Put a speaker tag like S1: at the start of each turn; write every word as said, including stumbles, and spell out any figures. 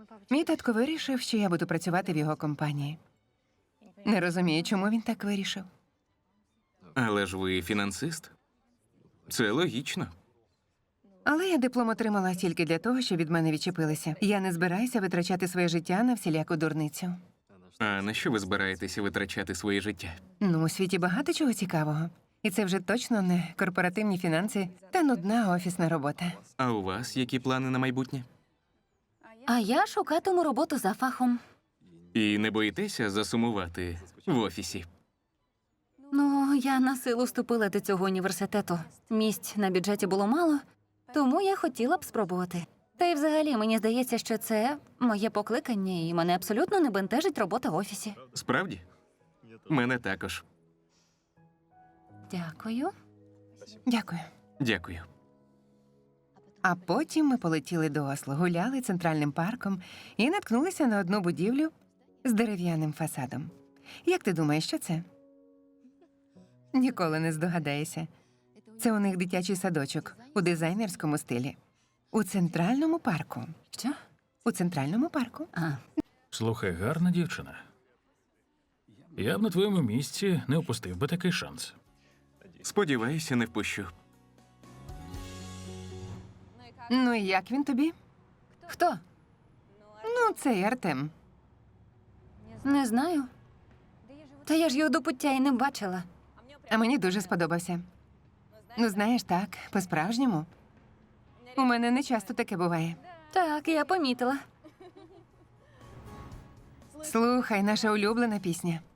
S1: Мій татко вирішив, що я буду працювати в його компанії. Не розумію, чому він так вирішив.
S2: Але ж ви фінансист. Це логічно.
S1: Але я диплом отримала тільки для того, щоб від мене відчепилися. Я не збираюся витрачати своє життя на всіляку дурницю.
S2: А на що ви збираєтеся витрачати своє життя?
S1: Ну, у світі багато чого цікавого. І це вже точно не корпоративні фінанси та нудна офісна робота.
S2: А у вас які плани на майбутнє?
S3: А я шукатиму роботу за фахом.
S2: І не боїтеся засумувати в офісі?
S3: Ну, я на силу вступила до цього університету. Місць на бюджеті було мало, тому я хотіла б спробувати. Та й взагалі, мені здається, що це моє покликання, і мене абсолютно не бентежить робота в офісі.
S2: Справді? Мене також.
S3: Дякую.
S1: Дякую.
S2: Дякую.
S1: А потім ми полетіли до Осло, гуляли центральним парком і наткнулися на одну будівлю з дерев'яним фасадом. Як ти думаєш, що це? Ніколи не здогадаєшся. Це у них дитячий садочок у дизайнерському стилі. У центральному парку.
S3: Що?
S1: У центральному парку.
S3: А,
S4: Слухай, гарна дівчина. Я б на твоєму місці не упустив би такий шанс.
S2: Сподіваюся, не впущу.
S1: Ну і як він тобі?
S3: хто?
S1: Ну, цей Артем.
S3: Не знаю. Та я ж його до пуття і не бачила.
S1: А мені дуже сподобався. Ну, знаєш, так, по-справжньому. У мене не часто таке буває.
S3: Так, я помітила.
S1: Слухай, наша улюблена пісня.